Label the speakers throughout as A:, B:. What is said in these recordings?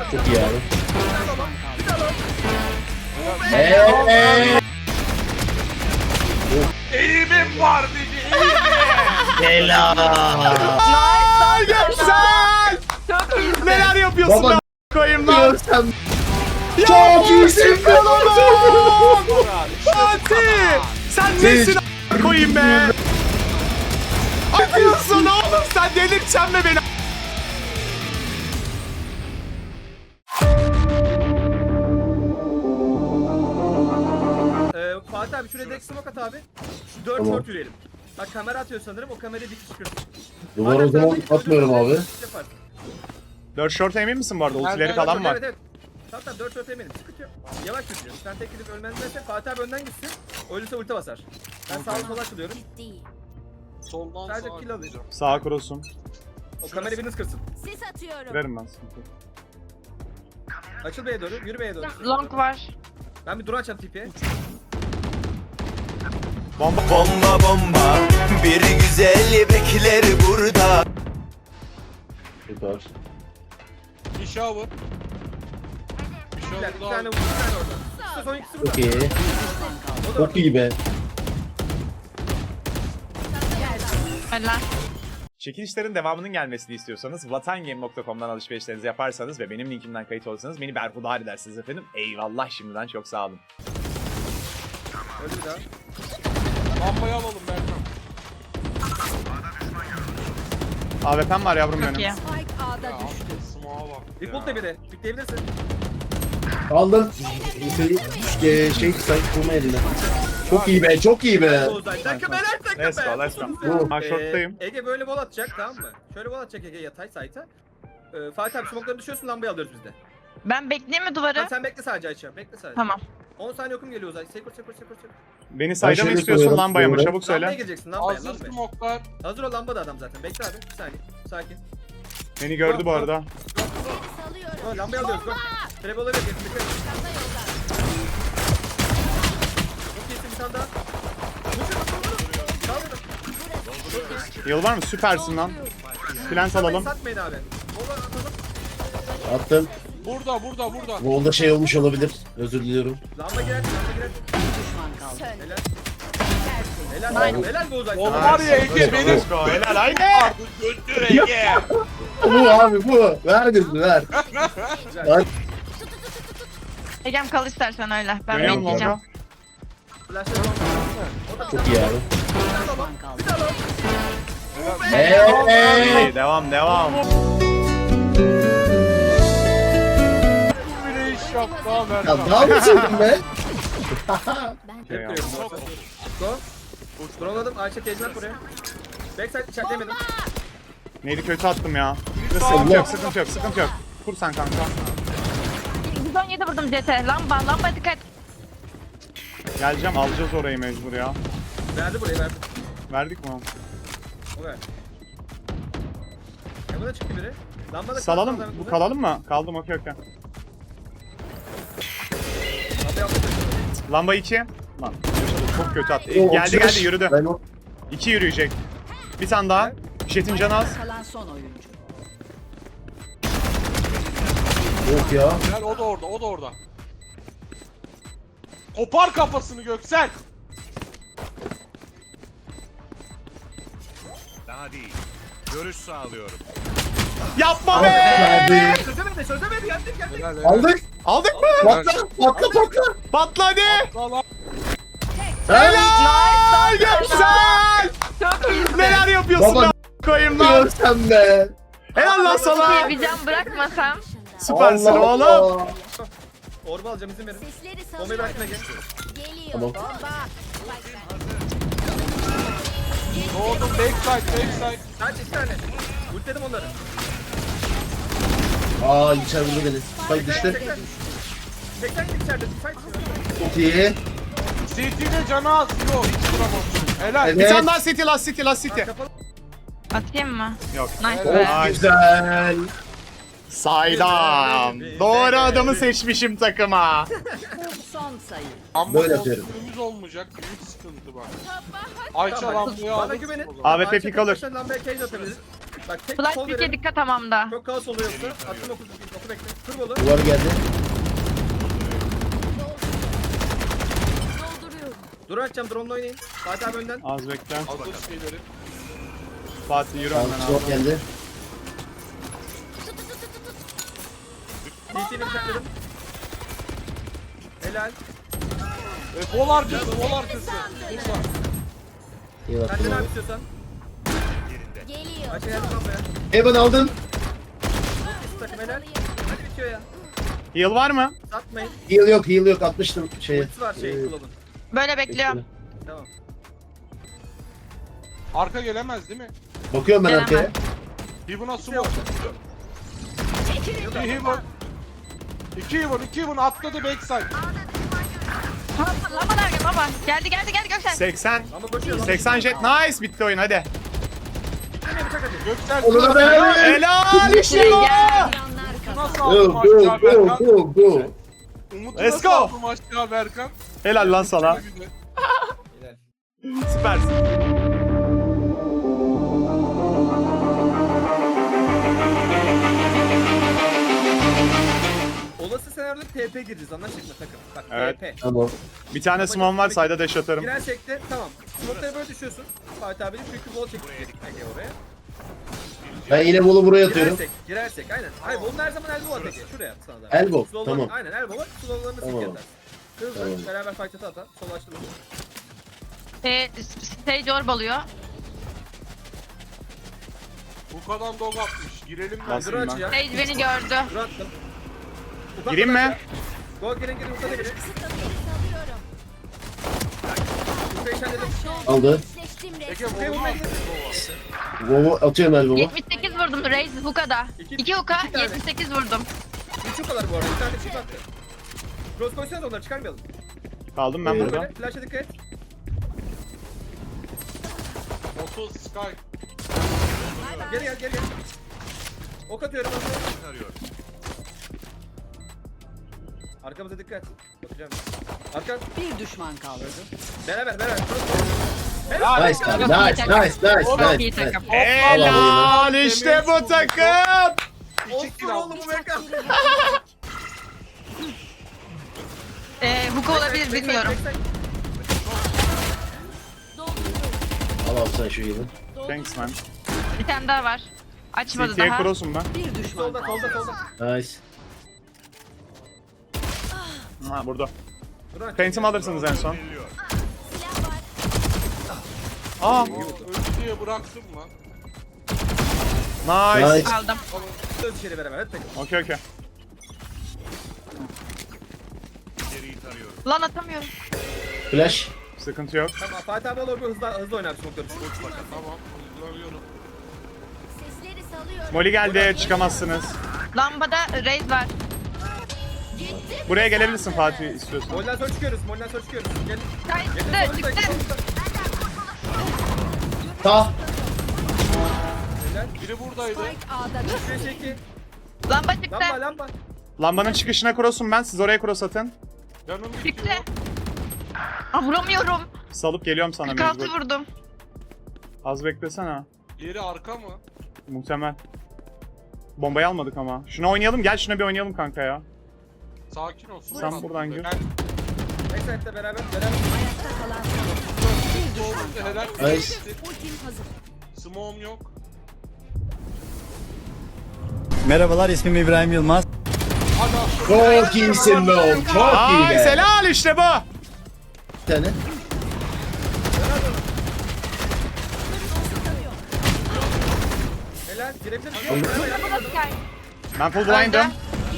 A: Çok iyi abi.
B: Eğimim var dedi, eğimim.
A: Helal.
C: Göksel!
D: Çok iyi.
C: Neler yapıyorsun
A: Baba,
C: lan koyayım lan?
A: Görsem. Çok iyisin be oğlum.
C: Fatih! Sen nesin a** koyayım be? Yapıyorsun oğlum sen delirteceksin mi beni?
B: Fatih abi şuraya direkt smoke at abi. Şu 4
A: Tamam.
B: short yürüyelim. Bak kamera atıyor sanırım, o kamerayı dik çıkırsın.
A: Duvar o zaman atmıyorum abi.
C: 4 short emin misin bu arada? Ultileri
B: Evet,
C: falan var.
B: Evet evet. Tamam 4 short eminim, sıkıntı yok. Yavaş yürüyeceğiz. Sen tek gidip ölmezlerse Fatih abi önden gitsin. Ölürse ulti basar. Ben sağa sola açılıyorum.
E: Soldan
B: Sadece
E: sağa
B: kill alacağım.
C: Sağa kurusun.
B: O kamerayı biriniz kırsın.
F: Sis atıyorum.
C: Kırarım ben sıkıntı yok.
B: Açıl B'ye doğru, yürü B'ye doğru.
D: Long var.
B: Ben bir drone açacağım TP'ye.
C: Bomba.
G: Bomba bomba bir güzel bekler burada.
A: Süper.
E: bir shower. Bir
B: Bir
E: shower
B: tane
E: daha.
B: vurdu, bir tane orada. İşte son ikisi burada.
A: Çok iyi.
B: O da orada.
A: Çok iyi be.
D: Helal.
C: Çekilişlerin devamının gelmesini istiyorsanız vatangame.com'dan alışverişlerinizi yaparsanız ve benim linkimden kayıt olursanız beni berhudar edersiniz efendim. Eyvallah şimdiden çok sağ olun.
B: Öldü bir daha.
E: Lambayı alalım Berkan.
C: AWP'm var yavrum
D: Çok
C: benim.
D: iyi.
F: Spike A'da
E: Ya
F: düştü.
E: smoke'a bak ya.
B: Default de bir de. Pikleyebilirsin.
A: Aldım. Şey kurma eline. Çok iyi be, çok iyi be.
B: Ozan takım helal takım
C: Let's go,
B: be.
C: let's go.
A: Bu.
C: Ben short'tayım.
B: Ege böyle bol atacak, tamam mı? Şöyle bol atacak Ege yatay site'a. Fatih abi smoke'ları düşüyorsun, lambayı alıyoruz biz de.
D: Ben bekleyeyim mi
B: Tamam,
D: duvarı?
B: sen bekle sadece Ayça, bekle sadece.
D: Tamam.
B: 10 saniye okum geliyor Ozan. Sekor.
C: Beni sayda mı
A: şeyde
C: istiyorsun
A: koyuyorum,
C: lambaya mı?
A: koyuyorum.
C: Çabuk
B: Lambaya
C: söyle.
B: gireceksin, lambaya,
E: Hazır
B: lambaya.
E: smoke'lar.
B: Hazır ol, lambada adam zaten. Bekle abi, bir saniye. Sakin.
C: Beni gördü bu arada.
F: Salıyorum.
B: Go, lambayı alıyoruz, go. Trap olabilir, dikkat et. Çok iyisin, bir tane daha. Sağ olun.
C: Yıl var mı? Süpersin lan. Plant alalım.
B: Satmayın abi. Mola atalım.
A: Attım.
E: Burada.
A: Golda şey olmuş olabilir. Özür diliyorum.
B: Lamba girer.
F: Sön.
B: Helal be Ozan.
E: Oğlum var ya Ege benim.
C: Let's go. Helal haydi.
E: Götür Ege.
A: Bu abi bu. Ver gözünü ver. Ver.
D: Egem kal istersen öyle. Ben
C: Dönüyorum
D: bekleyeceğim.
C: longa.
B: Flash'ları bomba.
A: Çok iyi abi.
B: Bir daha lan.
A: Hey.
C: İyi, devam.
E: Bile iş yaptı ha
A: Ya
E: Berkan.
A: daha mı çektin be?
B: Hep kırıyorum. Go. Droneladım. Ayşe tecmen buraya. Backside çeklemedim.
C: Neydi kötü attım ya.
A: Allah.
C: Sıkıntı yok. Kur sen kanka.
D: 117 vurdum CT. Lamba dikkat.
C: Geleceğim, alacağız orayı mecbur ya.
B: Verdi burayı, verdi.
C: Verdik mi?
B: O ver. Hemen çıktı biri. Lambada
C: Salalım, bu kalalım mı? Kaldım, okey.
B: Lamba yaptı.
C: Lamba 2. Lan çok kötü attı.
A: O,
C: Geldi
A: 35.
C: yürüdü.
A: Ben o
C: 2 yürüyecek. Bir tane daha. Jet'in canı az.
F: Kalan son oyuncu.
A: yok ya.
E: Gel o da orada. Kopar kafasını Göksel.
H: Daha değil. Görüş sağlıyorum.
C: Yapma be!
A: Verdi.
B: Çözemedi. Geldik.
E: Helal helal.
A: Aldık.
C: Aldık mı?
A: Patla.
C: Patla hadi!
E: Valla.
C: Helal! Göksel!
D: Çok iyi.
C: Neler yapıyorsun
A: Baba,
C: lan koyayım lan?
A: Görsem be.
C: Helal lan sana!
D: Bir can bırakmasam.
C: Süpersin
A: Allah
C: oğlum.
A: Allah.
B: Orba alacağım, izin verin.
F: Sesleri
B: Bombayı bırakın
F: salıyorum.
B: Ege.
F: Geliyor.
A: Tamam.
F: Bomba.
E: Doğdum backside.
B: Kaç iki tane. Ultledim onları.
A: Aa içeri vurdu beni. Spike düştü.
B: 80 git içeride. Fight.
A: Çok iyi.
E: CT'de canı az. Yok hiç vuramadım. Helal.
A: Evet.
C: Bir tane daha City, last City.
B: Kapalı.
D: Atayım mı?
C: Yok.
D: Nice
A: Çok
D: be.
C: Ay.
A: güzel.
C: Saydam. Doğru adamı seçmişim takıma.
F: Son sayı.
E: Ama
A: Böyle yapıyorum.
E: kontrolümüz olmayacak. Büyük sıkıntı bak. Ayça
B: Tamam,
E: lambayı
B: bana
E: alırsın
B: güvenin.
E: o zaman.
C: AWP pick alır.
B: Lambaya cage atabiliriz. Bak tek
D: Flash
B: sol
D: büyüke
B: verelim.
D: dikkat hamamda.
B: Çok kaos oluyor yoksa. Attım oku bekle. Kır bolu.
A: Duvar geldi.
F: Dolduruyorum.
B: Dur açacağım. Drone'la oynayın. Fatih abi önden.
C: Az bekle.
E: Aldır şeyleri.
C: Fatih yürü
A: Tamam,
C: önden
A: drop
C: abi.
A: geldi.
B: TT'ni bıçakladım. Helal.
E: Bol arkası, bol arkası. Burada.
A: İyi bak.
B: Sen de ne yap istiyorsan.
F: Geliyor.
B: Açın geldim lambaya.
A: Evan aldın.
B: Üst takım helal. Hadi bitiyor ya.
C: Heal var mı?
B: Satmayın.
A: Heal yok atmıştım şeye.
B: Ultisi var şey kullanın.
D: Böyle bekliyorum.
B: Tamam.
E: Arka gelemez değil mi?
A: Bakıyorum ben
D: Gelemez.
A: arkaya.
E: Heaven'a smoke. Bir Heaven. 2 Heaven atladı backside.
D: Lamba nerede baba? Geldi Gökçen.
C: 80.
B: Ama koşuyor.
C: 80 jet. Nice. Bitti oyun hadi.
B: Bitirmeye bıçak atın.
E: Göksel
A: Onu da ben.
C: Helal işte bu.
D: Gel.
E: nasıl
A: Go
E: aldım
A: go
E: aşağı
A: go
E: Berkan?
A: go go.
E: Umut'u
C: Let's
E: nasıl
C: go.
E: aldım aşağı Berkan?
C: Helal lan sana.
E: Güzel.
B: Helal.
C: Süpersin.
B: Olası senaryoda TP gireceğiz anlaştık mı takım? Bak
C: Evet.
B: TP.
A: Tamam.
C: Bir tane smoke var. Sayda dash atarım.
B: Girersek de tamam. Smoke'lara böyle düşüyorsun. Fatih abi de çünkü bol çekecek oraya.
A: Ben yine bolu buraya atıyorum.
B: Girersek aynen. Hayır bunun her zaman elbow atacak. Şuraya at sana da.
A: Elbow,
B: Slow'larını-
A: tamam.
B: Aynen elbow at. Slow'larını
A: Tamam.
B: sık atarsın. Hızlı
A: Tamam.
B: beraber fight ata. Sol açtım.
D: Stage orb alıyor.
E: Bu kadar dog atmış. Girelim ben.
C: Nasıl?
B: Dur aç
C: ben.
B: ya.
D: Stage beni gördü.
B: Dur attım. Ufak
C: Gireyim
B: ufak
C: mi?
B: ya. Go girin ufaka girin.
F: Salıyorum.
B: Ufayı halledim.
A: Aldı.
F: Seçtim
E: Peki
F: resmi.
B: Ufayı
E: bu
B: vurmaya gidin.
A: Bolu atıyorum el bolu.
D: 78 vurdum Raze Hooka'da. 2 Hook'a
B: iki tane.
D: 78 vurdum.
B: Üç kadar bu arada. Bir tane çift attı. Cross koysanız onları çıkarmayalım.
C: Kaldım ben burada.
B: Böyle flash'a dikkat et.
E: 30 Sky.
B: Geri gel. Ok atıyorum.
H: Tarıyorum.
B: Arkamıza dikkat. Bakacağım. Arka.
F: Bir düşman kaldı.
B: Beraber.
A: Nice abi. Nice.
D: Çok iyi takım.
C: Helal işte bu takım.
B: Olsun
E: kill
B: oğlum bu mekan.
D: Hook olabilir bilmiyorum.
A: Al abi sen şu yılı.
C: Thanks man.
D: Bir tane daha var. Açmadı
C: CT'ye
D: daha.
C: cross'um ben.
F: Bir düşman
B: Solda.
F: kaldı.
A: Nice.
C: Ha burada.
B: Dur aç.
C: Phantom alırsınız en son.
H: Veriliyor.
C: Aa.
E: Öldü diye bıraktım lan.
C: Nice.
A: Nice.
D: Aldım.
B: Dön içeri beraber. Hadi takım.
C: Okey.
H: İleriyi tarıyorum.
D: Lan atamıyorum.
A: Flash.
C: Sıkıntı yok.
B: Tamam Fatih abi olur hızlı oynar smoke'ları.
E: Tamam. Hızlanıyorum.
F: Sesleri salıyorum.
C: Molly geldi. Çıkamazsınız.
D: Lambada Raze var.
C: Buraya gelebilirsin Fatih istiyorsan.
B: Molden sonra çıkıyoruz. Gel.
D: Çıktı.
A: Ta.
B: Helal.
E: Biri buradaydı.
F: Spike A'da düştü.
B: 5-2.
D: Lamba çıktı.
B: Lamba.
C: Lambanın çıkışına cross'um ben. Siz oraya cross atın.
E: Canım
D: Çıktı.
E: bitiyor.
D: Aa, vuramıyorum.
C: Salıp geliyorum sana
D: 46
C: mecbur.
D: vurdum.
C: Az beklesene.
E: Yeri arka mı?
C: Muhtemel. Bombayı almadık ama. Şuna oynayalım. Gel şuna bir oynayalım kanka ya.
E: Sakin ol.
C: Sen buradan gir.
B: Backside'le beraber.
F: Ayakta kalan
E: Bir düşman kaldı. Helal.
A: Nice.
F: ultim hazır.
E: Smoke'um yok.
I: Merhabalar, ismim İbrahim Yılmaz.
E: Hadi
A: Çok iyisin be oğlum. Çok iyi
C: Ay
A: be.
C: helal işte bu.
A: Bir tane.
B: Helal. Girebilir misin?
D: Lambada Sky.
C: Ben full blind'ım.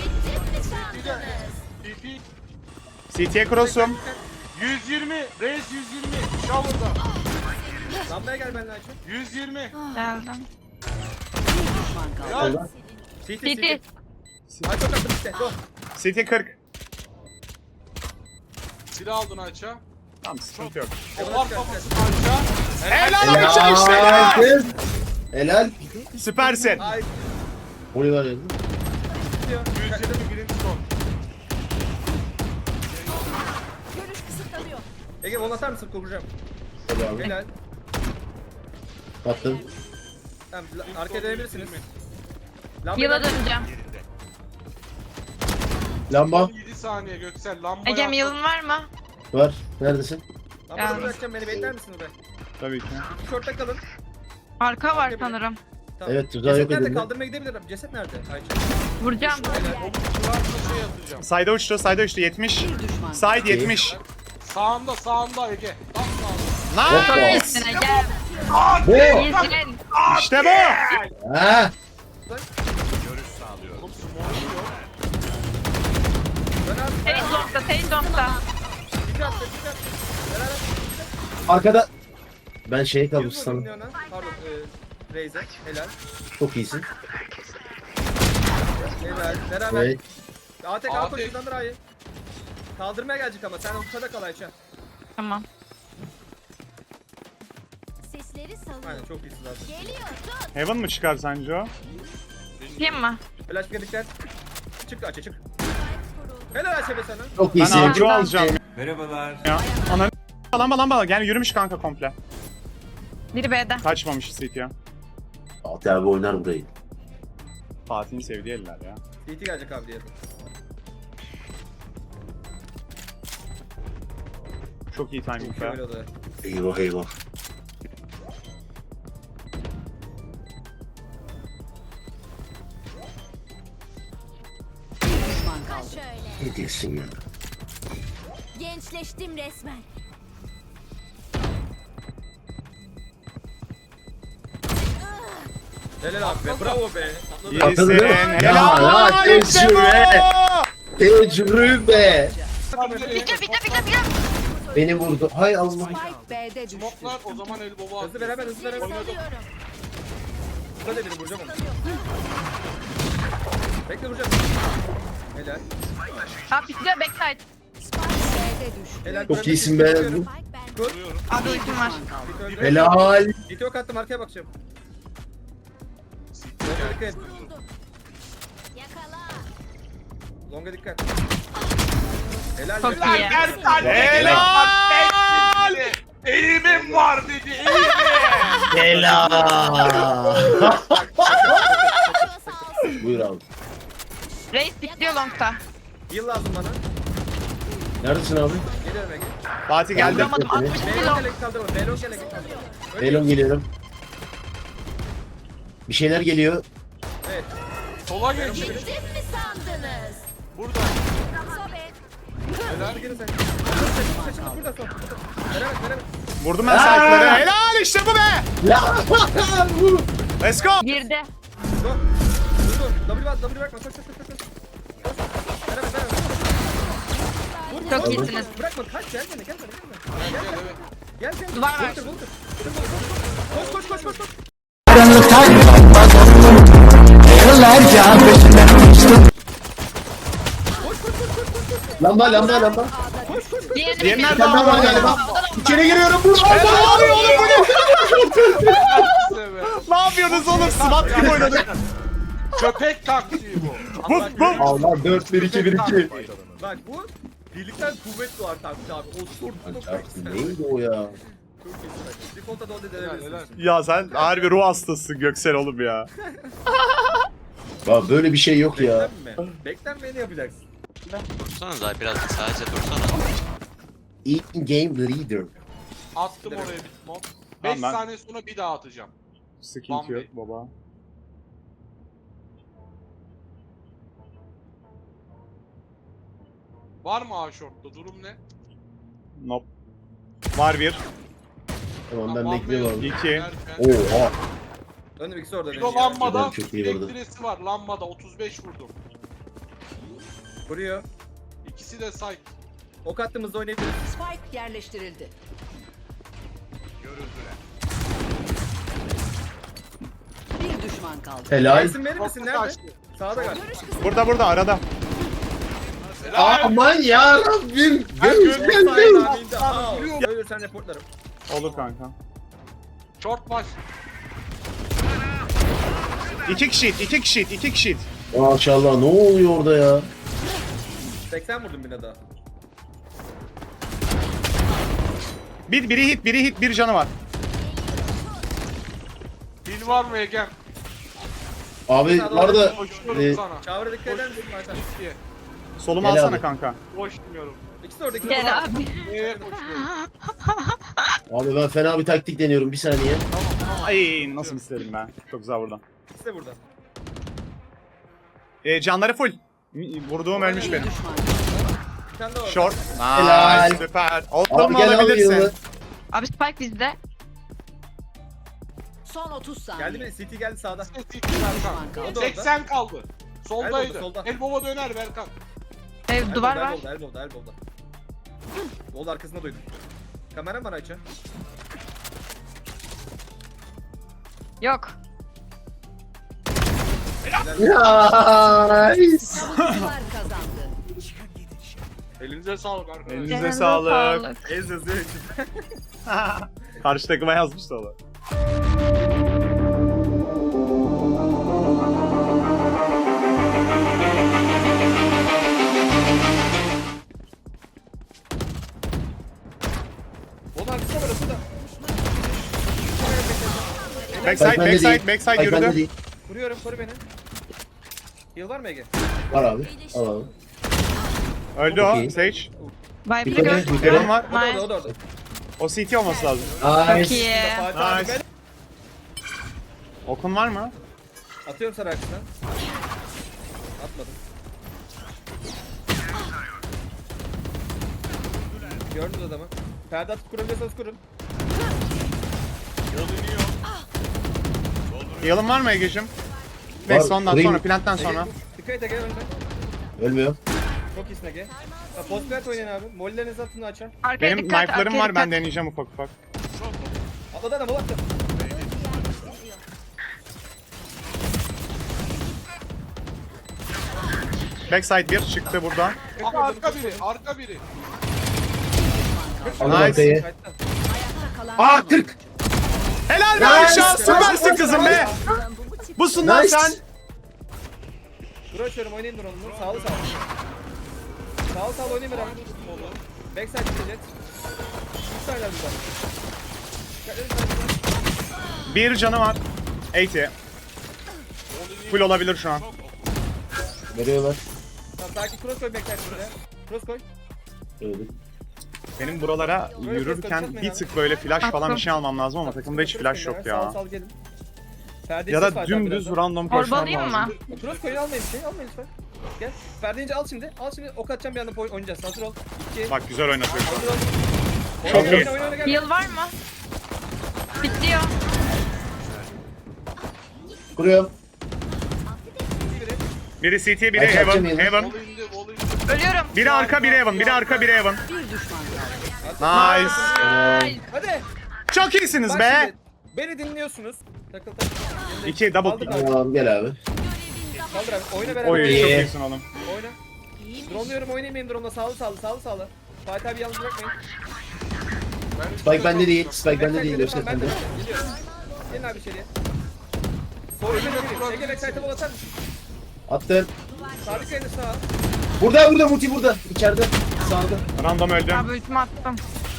E: TP.
C: CT'ye cross'um.
E: 120. Reis 120. Shower'da.
B: Lambaya gel benimle Ayçi.
E: 120.
D: Geldim.
F: Bir düşman kaldı.
E: Helal.
D: CT.
B: Ay çok attım işte. Go.
C: CT 40.
E: Silah aldın Ayça.
C: Tamam sıkıntı yok.
E: Var kafasını Ayça.
C: Helal Ayça işte bu.
A: Helal. Helal.
C: Süpersin.
B: Ay
A: Molly var yazdı.
B: bitiyor.
E: 120 birinci son.
F: Görüş kısıtlanıyor.
B: Ege onu atar mısın? Kuracağım.
A: Hadi abi.
B: Helal.
A: Attım.
B: Tamam arkaya dönebilirsiniz. Lamba
D: Yıla
B: geldi.
D: döneceğim.
A: Lamba
E: 7 saniye Göksel lamba
D: Egem
E: yap.
D: yılın var mı?
A: var. Neredesin?
B: Lamba
D: Geldim.
B: bırakacağım beni bekler misin be?
C: Tabii ki.
B: Short'ta kalın.
D: Arka var sanırım.
B: Tamam.
A: Evet, tuzağı yok
B: Ceset nerede?
A: edildi.
B: Kaldırmaya gidebilirim. Ceset nerede? Ayça.
D: Vuracağım.
E: Kulağımda şey atacağım.
C: Sayda uçtu, sayda uçtu. 70.
F: Bir düşman.
C: Side 70.
E: Sağında Ege. Tam sağında.
A: Hoppa.
D: İyisin Egem.
A: Bu.
D: İyisin.
C: İşte bu.
A: Ha.
H: Görüş sağlıyorum.
E: Oğlum smoke yok.
B: Dön abi.
D: Sage long'da, Sage long'da.
B: Bir attı. Beraber.
A: Arkada. Ben şeye kaldım
B: 100 vurdum
A: sanırım.
B: Leon'a. Pardon. Raze'e. Helal.
A: Çok iyisin.
B: Helal. Beraber.
A: Evet.
B: ATK
E: ATK.
B: koşuyordan Ra'yı. Kaldırmaya gelecek ama sen ortada kal Ayça.
D: Tamam.
F: Sesleri salın.
B: Aynen çok iyisin zaten.
F: Geliyor. Tut.
C: Heaven mı çıkar sence o?
D: Yapayım mı?
B: Flash dikkat. Çık Ayça çık. Helal Ayça be sana.
A: Çok
C: Ben
A: iyisin.
C: agro alacağım
H: Merhabalar.
C: ya. Ananı lamba. Yani yürümüş kanka komple.
D: Biri B'de.
C: Kaçmamış CT'ye.
A: Fatih abi oynar burayı.
C: Fatih'in sevdiği eller ya.
B: CT gelecek abi diye.
C: Çok iyi timing be.
B: Şöyle odaya.
A: Eyvah eyvah.
F: Bir düşman kaldı. Şöyle.
A: Ne diyorsun ya?
F: Gençleştim resmen.
B: Helal abi be. Bravo be.
C: İyisin.
A: Katıldım.
C: Helal.
A: Ya,
C: İşte bu.
A: tecrübe. Tecrübe.
D: Bitir.
A: Beni vurdu. Hay Allah.
F: Spike B'de düştü.
E: Smoke'lar o zaman el baba
B: Hızlı beraber hızlı beraber.
F: Salıyorum.
B: Hadi beni vuracağım onu. Bekle vuracağım. Helal.
D: Abi bitiyor backside.
F: Spike B'de düştü.
B: Helal.
A: Çok iyisin be.
F: Spike bende.
D: Abi ultim var.
A: Helal.
B: Video kattım arkaya bakacağım. Longa dikkat et.
F: Vuruldu. Yakala.
B: Longa dikkat. Helal.
D: Çok
B: helal.
D: iyi.
C: Helal.
E: Eğimim var dedi eğimim.
A: Helal.
F: Sağ olsun.
A: Buyur abi.
D: Reis bitiyor long'da.
B: Heal lazım bana.
A: Neredesin abi?
B: Geliyorum Ege.
C: Fatih geldi.
D: Vuramadım. 62
B: Beylon
D: long.
B: gelek kaldırma. Beylon gelek kaldırma.
A: Elon geliyorum. Bir şeyler geliyor.
B: Evet.
E: Sola geç.
F: Gittim mi sandınız?
E: Burada.
F: Sobe.
B: Hadi gelin sen. Saçımız burada son. Beraber beraber.
C: Vurdum ben sahipleri. Helal işte bu be.
A: Ya.
C: Let's go.
D: Girdi.
B: Dur. Dur. W bas. W bırakma. Koş. Beraber beraber.
D: Çok iyisiniz.
B: Bırakma. Kaç. Gel bana. Gel. Gel.
D: Duvar var.
B: Koş.
A: Lamba.
D: Diğerini
C: Diğeri nerede?
A: Lamba var galiba. İçeri giriyorum. Burada.
C: Ne oluyor oğlum bu ne?
E: Evet.
C: Ne yapıyorsunuz oğlum? SWAT gibi oynadık.
E: Köpek taktiği bu.
C: Vuf vuf.
A: Allah 4-1-2-1-2.
B: Bak bu birlikten kuvvet doğar tabii abi. O sorumluluk çok güzel.
A: Neydi o ya?
B: Çok iyi. Default'a da onu
E: Helal.
B: deneyebilirsin.
C: Ya sen harbi ruh hastasısın Göksel oğlum ya.
A: Ya böyle bir şey yok ya.
B: Beklenme. Beklenmeyeni yapacaksın.
J: Dursana daha biraz sadece dursana.
A: In-game leader.
E: Attım oraya bir smoke.
C: Tamam,
E: 5
C: ben-
E: saniye sonra bir daha atacağım.
C: Sıkıntı yok baba.
E: Var mı A short'ta? Durum ne?
C: Nope. Var bir.
A: Tamam ben
E: Tamam,
A: bekliyorum.
C: İki.
E: Derken-
A: Oha.
B: Önüm ikisi orada.
E: Bir
B: benim
E: o
B: ya.
E: lambada
A: Çok iyi vurdu.
E: elektresi var. Lambada 35 vurdum.
B: Vuruyor.
E: İkisi de site.
B: Ok attığımızda oynayabiliriz.
F: Spike yerleştirildi.
H: Görüldüler.
F: Bir düşman kaldı.
A: Helal.
B: İsim verir misin?
E: Short'ta
B: Nerede?
E: kaçtı.
B: Sağda galiba.
C: Burada arada.
A: Aman ya Rabbim.
B: Sağda
A: Göz
B: aminde. Aa, ölürsen reportlarım.
C: Olur kanka.
E: Short baş.
C: 2 kişi.
A: Maşallah ne oluyor orada ya?
B: 80 vurdum bine daha.
C: Biri hit, bir canı var.
E: Pil var mı Egen?
A: Abi var da
E: Koşuyorum sana.
B: Shower'a dikkat eder misin Fatih?
E: Diye.
C: Solumu
A: Gel
C: alsana
A: abi.
C: kanka.
E: Koşmuyorum.
B: İkisi de orada, ikisi de
D: Gel
B: orada.
D: abi.
E: Neye koşuyorum?
A: abi ben fena bir taktik deniyorum bir saniye.
C: Ay nasıl isterim ben. Çok güzel buradan.
B: İkisi de burada.
C: Canları full. Vurduğum ölmüş benim.
F: Düşman kaldı.
B: Bir tane de var.
C: Short.
A: Helal.
C: Nice, süper.
A: Abi
C: Oldum mu
A: gel abi
C: alabilirsin?
A: yılı.
D: Abi Spike bizde.
F: Son 30 saniye.
B: Geldi mi? CT geldi sağda.
F: Düşman kaldı.
B: O da orada.
E: 80 kaldı. Soldaydı.
B: solda.
E: Elbow'a döner Berkan.
D: Ev duvar var.
B: Elbow'da. Bol arkasında duydum. Kamera var Ayça.
D: Yok.
A: Nice.
F: Savunucular kazandı.
E: Elinize sağlık arkadaşlar.
C: Elinize
D: Elinize
C: sağlık.
B: Ez yazıyor içinde.
C: Karşı takıma yazmış da o.
B: Bol arkasında var orada.
C: Backside,
A: bende
C: backside,
A: değil.
C: backside
A: Bak bende
C: yürüdü.
A: değil.
B: Vuruyorum, koru beni. Heal var mı Ege?
A: Var abi. Al abi.
C: Öldü
A: Çok
C: o.
A: iyi.
C: Sage.
D: Vibe'li
A: Yukarı,
D: gördüm.
A: yukarı.
C: Var.
B: O da
D: Nice.
B: orada, o da orada.
C: O CT olması lazım.
D: Çok
A: Nice.
D: iyi.
B: Fatih abi
C: Nice.
B: ben
C: Okun var mı?
B: atıyorum sana arkasından. Atmadım. Gördünüz adamı. Perde atıp kurabiliyorsanız kurun.
C: Heal'ın var mı Ege'cim?
A: Var.
C: Neyse ondan
A: Vurayım.
C: sonra, planttan sonra.
B: Dikkat et Ege önde.
A: Ölmüyor.
B: Çok iyisin Ege. Post plant oynayın abi. Mollerinizi atın açar.
D: Arkaya
C: Benim
D: dikkat,
C: knife'larım
D: arkaya
C: var, ben
D: dikkat.
C: deneyeceğim ufak ufak.
B: Atladı adam, attı.
C: Backside 1 çıktı burada.
E: Arka biri. Arka biri.
A: Aldım
C: Nice.
A: arkayı.
B: Kayıtta.
A: Aa 40.
C: Helal be
A: Nice.
C: Ayşe, süpersin kızım be. Busun lan
A: Nice.
C: sen.
B: Dur açıyorum, oynayın drone'unu. Sağlı sağlı. Sağlı sağlı oynayın beraber. Backside gidecek. Üç tane burada. Dikkatleri sağlı.
C: Bir canı var. 80. Full olabilir şu an.
A: Veriyorlar.
B: Tamam, sakin cross koy backside şuraya. Cross koy.
A: Öldük.
C: Benim buralara yürürken bir tık böyle flash falan bir şey almam lazım ama takımda hiç flash yok
B: Sağlı
C: ya.
B: sağlı gelin. Perdeyi
C: Ya
B: ses
C: da
B: var
C: dümdüz
B: birazdan.
C: random koşmam
D: Orbalayayım
C: lazım.
D: mı?
B: Cross koyun, almayın bir şey, almayın lütfen. Gel. Perdeyince al şimdi. Al şimdi, ok atacağım, bir anda oynayacağız. Hazır ol. 2.
C: Bak güzel oynatıyor şu an.
B: Hazır ol.
C: Çok
B: Oyna,
C: iyi.
B: oyna, oyna, gel.
D: Heal var mı? Bitiyor.
A: Kuruyorum.
C: Biri CT, biri
A: Ayşe,
C: Heaven.
A: açacağım
C: Heaven.
E: Vol indi. Vol indi.
D: Ölüyorum.
C: Biri arka, biri Heaven. Biri arka, biri Heaven.
F: Bir düşman kaldı.
C: Nice.
D: Ay.
B: Hadi.
C: Çok iyisiniz
B: Bak
C: be.
B: şimdi, beni dinliyorsunuz. Takıl takıl.
C: 2 double
B: Kaldır
C: kill.
B: abi.
A: Tamam gel abi.
B: Kaldır abi. Oyna beraber.
C: Oy çok
A: İyi.
C: iyisin oğlum.
B: Oyna. Drone'luyorum, oynayayım benim drone'la. Sağlı sağlı, sağlı sağlı. Fatih abi yalnız bırakmayın.
A: Spike bende değil. Spike bende değil.
B: Backside
A: Göster
B: ben de.
A: bende.
B: Geliyorum. Gelin abi içeriye. Sol önüne gireyim. Ege backside'e bol atar mısın?
A: Attım.
B: Sadık kaydı sağa.
A: Burada multi burada. İçeride. Sağda.
C: Random öldü.
D: Abi ultimi attım.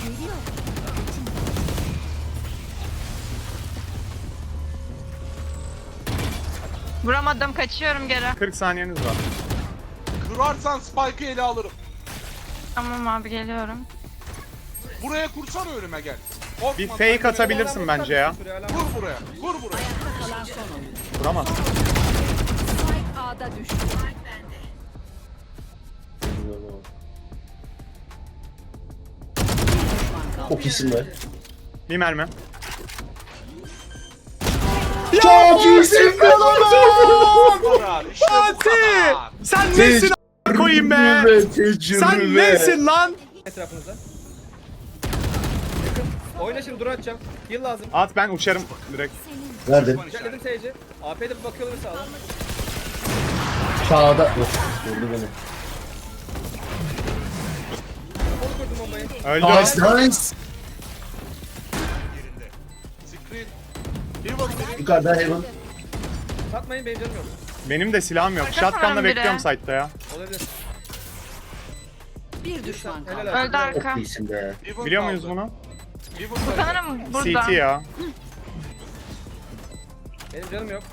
D: Vuramadım, kaçıyorum geri.
C: 40 saniyeniz var.
E: Kırarsan Spike'ı ele alırım.
D: Tamam abi, geliyorum.
E: Buraya kursana önüme gel. Korkma.
C: Bir fake atabilirsin bence ya.
E: Vur buraya. Vur buraya.
F: Kalan son oyun.
C: Vuramaz.
F: Spike A'da düştü. Düşman kaldı.
A: Çok iyisin be.
C: Bir mermi.
A: Çok iyisin be lan.
E: Bu kadar. İşte bu
C: Fatih!
E: kadar.
C: Sen nesin a** koyayım be? Sen nesin lan?
B: Etrafınıza. Yakın. Oyna şimdi, dur atacağım. Heal lazım.
C: At ben uçarım direkt.
A: Verdim.
B: Dedim seyirci. AP'de bir bakıyorlar sağdan.
A: Sağda. Of, vurdu beni.
B: Onu kurdum bombayı.
C: Öldü.
A: Nice nice.
E: Screen. Heaven biri.
A: Yukarıda Heaven.
B: Satmayın, benim canım yok.
C: Benim de silahım yok.
D: Arkadaşlar
C: Shotgun'la
D: biri.
C: bekliyorum site'da ya.
B: Olabilir.
F: Bir düşman kaldı.
B: Helal
D: Öldü
B: olsun.
D: arka.
A: Çok iyisin be.
E: Heaven
C: Biliyor
E: kaldı.
C: muyuz bunu?
E: Heaven kaldı.
D: Sanırım burada.
C: CT ya.
B: Benim canım yok.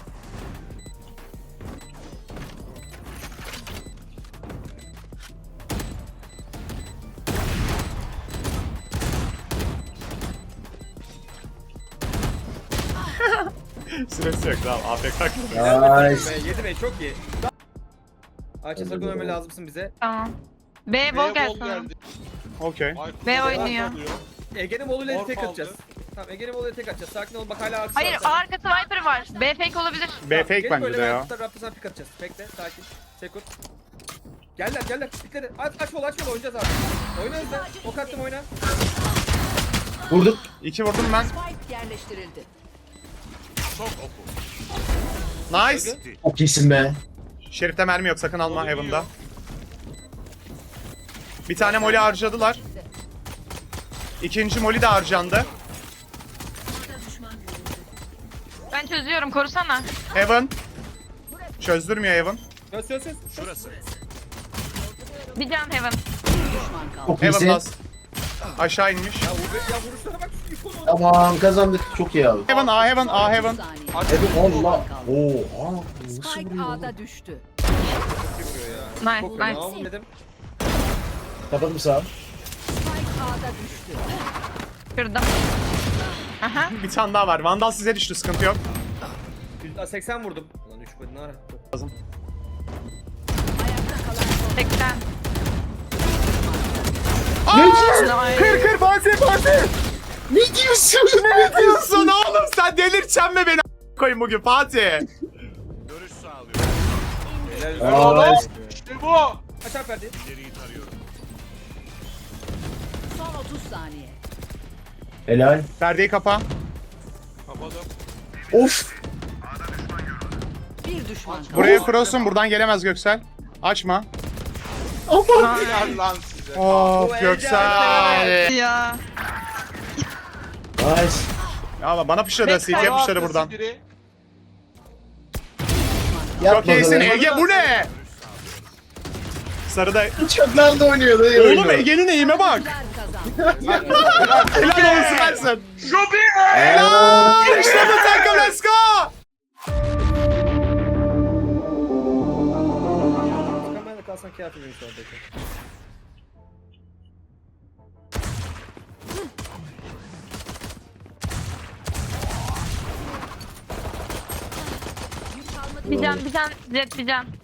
C: Süresi yok tamam. AFK.
A: Nice.
B: 7 Bey çok iyi. Ayça sakın ölme lazımsın bize.
D: Tamam. B bol
E: Bol
D: gelsin.
E: geldi.
C: Okey.
E: Ay,
D: B
E: kuzey
D: oynuyor.
E: oluyor.
B: Ege'nin moluyla
E: Morf
B: tek
E: aldı.
B: atacağız. Tamam Ege'nin moluyla tek atacağız. Sakin ol bak hala arkası
D: Hayır
B: var.
D: A arkası Viper var. B fake olabilir.
C: B fake bence de ya.
B: Raptor sana pik atacağız. Bekle sakin. Sekut. Geller. Pikleri. Aç bol oynayacağız abi. Oyna hızlı. Ok attım oyna.
A: Vurduk.
C: 2 vurdum ben.
F: Spike yerleştirildi.
H: Çok oku.
C: Nice.
A: Çok iyisin be.
C: Şerif'te mermi yok sakın alma
E: Onu
C: Heaven'da.
E: yiyor.
C: Bir tane molly harcadılar. İkinci molly de harcandı.
D: Ben çözüyorum korusana.
C: Heaven. Çözdürmüyor Heaven.
B: Söz.
H: Şurası.
D: Bir can Heaven.
F: Düşman kaldı.
A: Çok
C: Heaven
A: iyisin.
C: last. Aşağı inmiş.
B: Ya vuruşlara bak. İkonu.
A: Tamam kazandık. Çok iyi abi.
C: Heaven A Heaven A
F: 30
C: Heaven.
F: saniye.
A: Allah. Oha. Nasıl
F: Spike
A: vuruyor?
F: A'da düştü.
D: Nice
B: Çok
D: nice.
B: Tamam dedim.
A: Kapadım sağa.
F: Spike A'da düştü.
D: Kırdım. Aha.
C: Bir tane daha var. Vandal size düştü sıkıntı yok.
B: 80 vurdum. Ulan 3 koydun ara.
C: Lazım.
F: Ayakta kalan son.
D: 80.
C: Kır Fatih.
A: Ne diyorsun?
C: Ne diyorsun oğlum sen delirteceksin mi beni koyun bugün Fatih?
H: Görüş sağlıyorum.
B: Helal olsun.
A: Nice.
E: İşte bu.
B: Aç abi verdi.
H: İleriyi tarıyorum.
F: Son 30 saniye.
A: Helal.
C: Perdeyi kapa.
E: Kapadım.
A: Of.
F: Bir düşman kaldı.
C: Buraya cross'un buradan gelemez Göksel. Açma.
A: Aman.
E: Helal lan size.
C: Of Göksel.
D: Ya.
A: Nice.
C: Ya bana pışladı CT pışladı buradan.
E: Biri.
C: Çok iyisin Ege bu ne? Sarıda.
A: Uçaklar da oynuyordu.
C: Oğlum Ege'nin eğime bak.
F: Kazandı.
C: Helal olsun versin.
A: Helal.
C: İşte bu takım let's go.
B: Kamerada kalsan kıyafet verir şu andaki.
D: Bir can Jet bir can.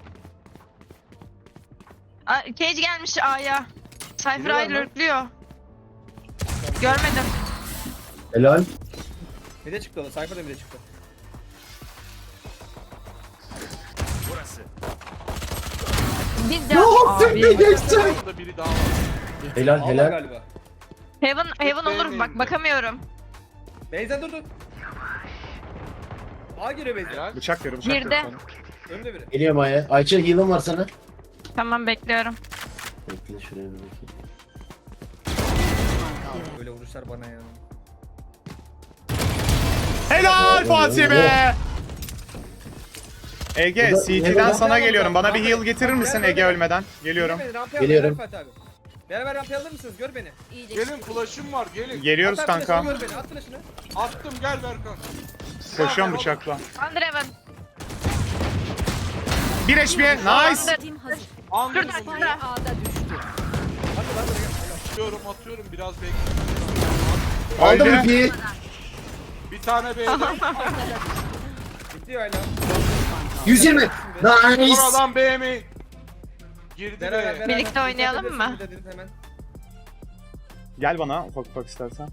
D: Cage gelmiş A'ya. Cypher
B: Geliyorlar
D: A'yı
B: mı?
D: lurkluyor. Görmedim.
A: Helal.
B: Bir de çıktı o da. Cypher'da bir de çıktı.
H: Burası.
D: Bir can. Abi.
E: Burada biri daha var.
A: Helal
B: Allah
A: helal.
B: galiba.
D: Heaven olur bak bakamıyorum.
B: Beyza dur. A giriyor Beyza.
E: Helal.
C: Bıçak verin bıçak
D: Girdi.
C: verin.
B: Önde biri.
A: Geliyorum Aya. Ayça heal'ım var sana.
D: Tamam bekliyorum.
A: Bekle şuraya bir bakayım.
B: Böyle vuruşlar bana ya.
C: Helal Fatih be. Ege
A: Burada-
C: CT'den
A: burada-
C: sana geliyorum. Bana bir heal getirir misin Ege ölmeden? Geliyorum.
B: Gör beni, rampaya
A: Geliyorum.
B: al, Fatih abi. Beraber rampaya alır mısınız? Gör beni.
E: Gelin flash'ım var gelin.
C: Geliyoruz
B: At
C: kanka.
B: flash'ını, Gör beni. At flash'ını.
E: Attım gel Berkan.
C: Koşuyorum bıçakla.
D: Under Heaven.
C: 1 HP. Nice.
E: Anladım.
D: Şurada,
F: Spike
D: şurada.
F: A'da düştü.
E: Atıyorum biraz bekliyorum.
A: Aldım
C: Öldü.
A: ipi.
E: Bir tane B'de.
B: Bitti ya hala.
A: 120. Nice.
E: Sonradan B mi? Girdi
B: Beraber,
E: be.
D: Birlikte oynayalım mı?
B: Dediniz hemen.
C: Gel bana ufak ufak istersen.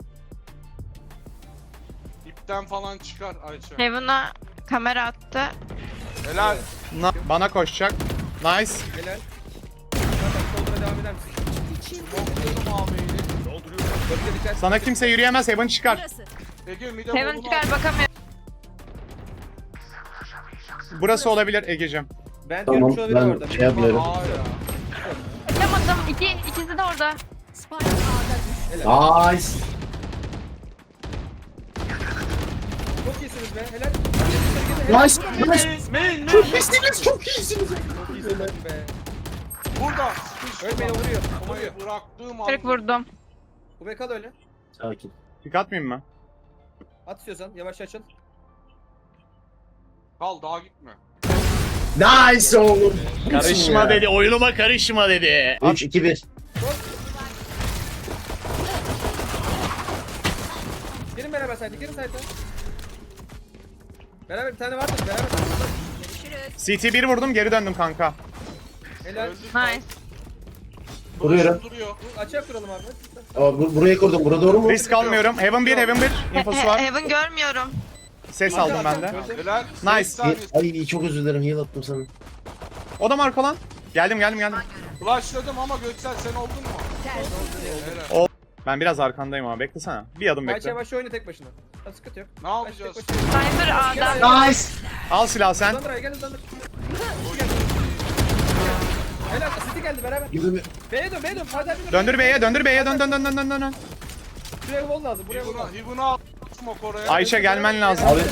E: İpten falan çıkar Ayça.
D: Heaven'a kamera attı.
E: Helal.
C: Bana koşacak. Nice.
B: Helal. Zaten soluna devam eder misin?
E: Bakıyorum ağabeyi.
B: Bölge dikkat.
C: Sana kimse yürüyemez. Heaven çıkar.
E: Ege mide
D: Heaven
E: bolunu
D: çıkar
E: al.
D: bakamıyorum.
C: Burası olabilir Ege'cim.
B: Ben
A: Tamam
B: görmüş olabilirim
A: ben
B: orada.
A: şey yapıyorum.
E: Aa ya.
D: Yapamadım. İkisi de orada.
F: Spike A'da düştü.
A: Nice.
B: Çok iyisiniz be. Helal.
A: Nice. Nice.
E: Main.
A: Çok iyisiniz. Çok iyisiniz.
B: Çok iyisiniz be.
E: Burada.
B: Öyle beni vuruyor. Vuruyor.
E: Kafayı bıraktığım an.
D: 40 vurdum.
B: Bu be kal öyle.
A: Sakin.
C: Pik atmayayım mı?
B: At istiyorsan. Yavaş açıl.
E: Kal daha gitme.
A: Nice oğlum.
C: Karışma dedi, oyunuma karışma dedi.
A: 3-2-1.
B: Girin beraber sayda, girin sayda. Beraber bir tane vardı, beraber.
C: CT 1 vurdum, geri döndüm kanka.
B: Helal.
D: Nice.
A: Vuruyorum.
E: Duruyor.
B: Açığa kuralım abi.
A: Buraya kurdum. Bura doğru mu?
C: Risk almıyorum. Heaven 1, Heaven 1. Infosu var.
D: Heaven görmüyorum.
C: Ses aldım ben de.
E: Helal.
C: Nice.
E: 8 saniye.
A: Ay çok özür dilerim. Heal attım sana.
C: O da marka lan. Geldim.
E: Flashladım ama Göksel sen oldun mu? Helal.
C: Ben biraz arkandayım ama beklesene. Bir adım
B: Yavaş
C: bekle.
B: yavaş oyna tek başına. Ha, sıkıntı yok.
E: Ne yapacağız?
B: Tek başına.
D: Sniper A'da.
A: Nice.
C: Al silahı sen.
B: Hızlandır, gel hızlandır. Helal, City geldi beraber.
A: Yürü.
B: B'ye dön, B'ye dön. Hadi hadi.
C: Döndür B'ye, döndür B'ye. Dön.
B: Buraya wall lazım, buraya wall lazım.
E: Hibuna at. Smoke oraya.
C: Ayşe gelmen lazım.
A: Abi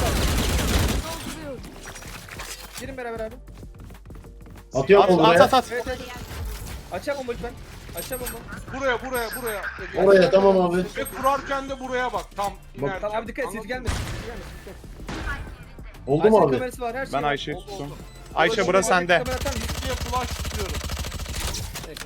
B: Girin beraber abi.
A: atıyorum onu buraya.
C: At.
B: Evet evet. Açacağım bomba lütfen. Açacağım bomba.
E: Buraya.
A: Oraya tamam abi.
E: Ve kurarken de buraya bak. Tam inerken.
B: Tamam abi dikkat et, City gelmesin. City gelmesin.
A: Oldu mu abi?
B: Kamerası var, her şey
C: Ben
B: var.
C: Ayşe'yi
E: Oldu,
C: tuttum.
E: oldu.
C: Ayşe burası sende.
B: Kamera atar mısın?
E: Diye flash tutuyorum.
B: Peki.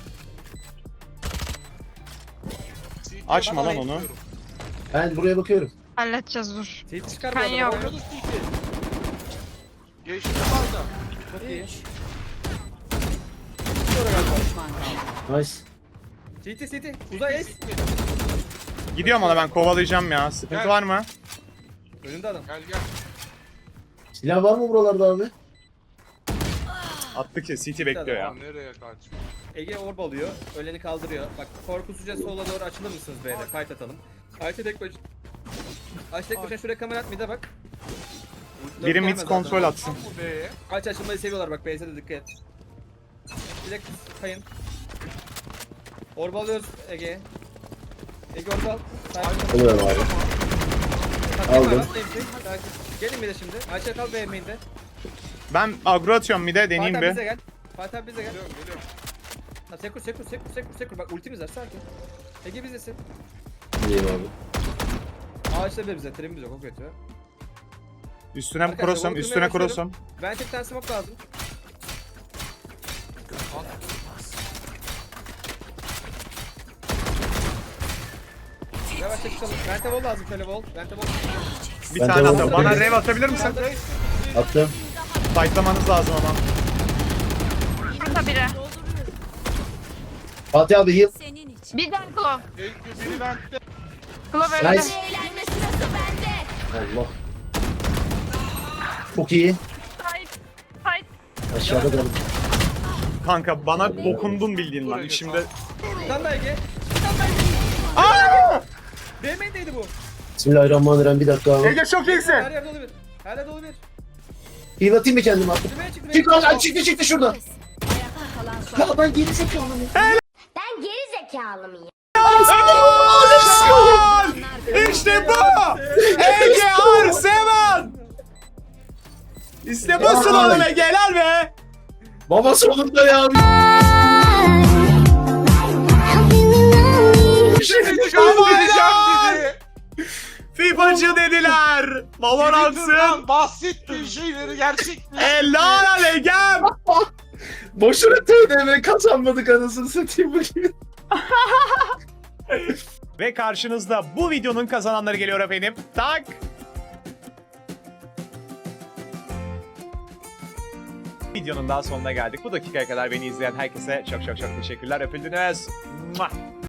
E: CT'ye
C: Açma
E: ben
C: lan onu.
E: tutuyorum.
A: Ben buraya bakıyorum.
D: Halledeceğiz dur.
B: City çıkar bu
D: Ben
B: arada.
D: yok.
B: Oynadı.
E: Oynadı CT. Geçti var da.
B: Çok iyi.
F: Düşman kaldı.
A: Nice.
B: City. Uzay ace.
C: Gidiyorum ona, ben kovalayacağım ya. Sıkıntı
E: Gel.
C: var mı?
B: Önünde adam.
E: Gel.
A: Silah var mı buralarda abi?
C: Attı ki CT bekliyor ya.
E: Ya nereye kaç?
B: Ege orb alıyor. Öleni kaldırıyor. Bak korkusuzca sola doğru açılır mısınız B'de? Fight atalım. Ayşe tek başına. Ayşe tek başına şuraya kamera at, mid'e bak.
C: Biri mid
B: Gelmez
C: kontrol
B: zaten.
C: atsın.
E: Bu B'ye.
B: Aç açılmayı seviyorlar bak, B'de de dikkat et. Direkt kayın. Orb alıyoruz Ege. Ege orb al.
A: Alıyorum abi. Aldım.
B: Gelin bir de şimdi. Ayşe kal B main'de.
C: Ben agro atıyorum mid'e, deneyeyim
B: Fatih abi bize
C: bir.
B: gel. Fatih abi bize gel.
E: Geliyorum.
B: Ha, sekur. Bak ultimiz var, sakin. Ege bizdesin.
A: İyiyim abi.
B: Ağaçta bir bize, trim bize, çok kötü.
C: Üstüne
B: Arkadaşlar,
C: cross'um,
B: bunu
C: üstüne
B: kırmaya
C: cross'um.
B: Ben tek tane smoke lazım. Yavaşça çıkalım. Vente wall lazım, şöyle wall. Vente wall.
C: Bir
A: Ben
C: tane
A: de
C: atıyorum. Bana
A: vurayım.
C: rev atabilir misin?
A: Attım.
C: Fightlamanız lazım ama.
D: Burada biri.
A: Fatih abi heal.
D: Bir tane Claw.
E: Biri vent'te.
D: Claw öldü.
A: Nice. Allah. Çok iyi.
D: Fight.
A: Aşağıda kaldım.
C: Kanka bana dokundun bildiğin lan. Şimdi...
B: Bir tane daha Ege. Bir tane daha Ege.
C: Aaa!
B: B main'deydi bu.
A: Bismillahirrahmanirrahim, bir dakika abi.
C: Ege çok iyisin.
B: Her yerde dolu bir. Her yerde dolu bir.
A: Heal atayım mı kendime artık?
B: Düğmeye çık.
A: Çık lan, çıktı şurada.
F: Ayakta kalan son.
A: Ya ben geri zekalıyım.
K: Ben geri zekalı mıyım?
C: İşte bu! Ege Arsevan! İşte busun oğlum Ege, helal be!
A: Baba sonunda ya.
C: FIFA'cı dediler! Valorants'ın
E: Bahsettiğin şeyleri gerçek.
C: helal al Ege'm!
A: Boşuna TDM kazanmadık anasını satayım bugün.
C: Ve karşınızda bu videonun kazananları geliyor efendim. Tak! Videonun daha sonuna geldik. Bu dakikaya kadar beni izleyen herkese çok teşekkürler. Öpüldünüz. Mua!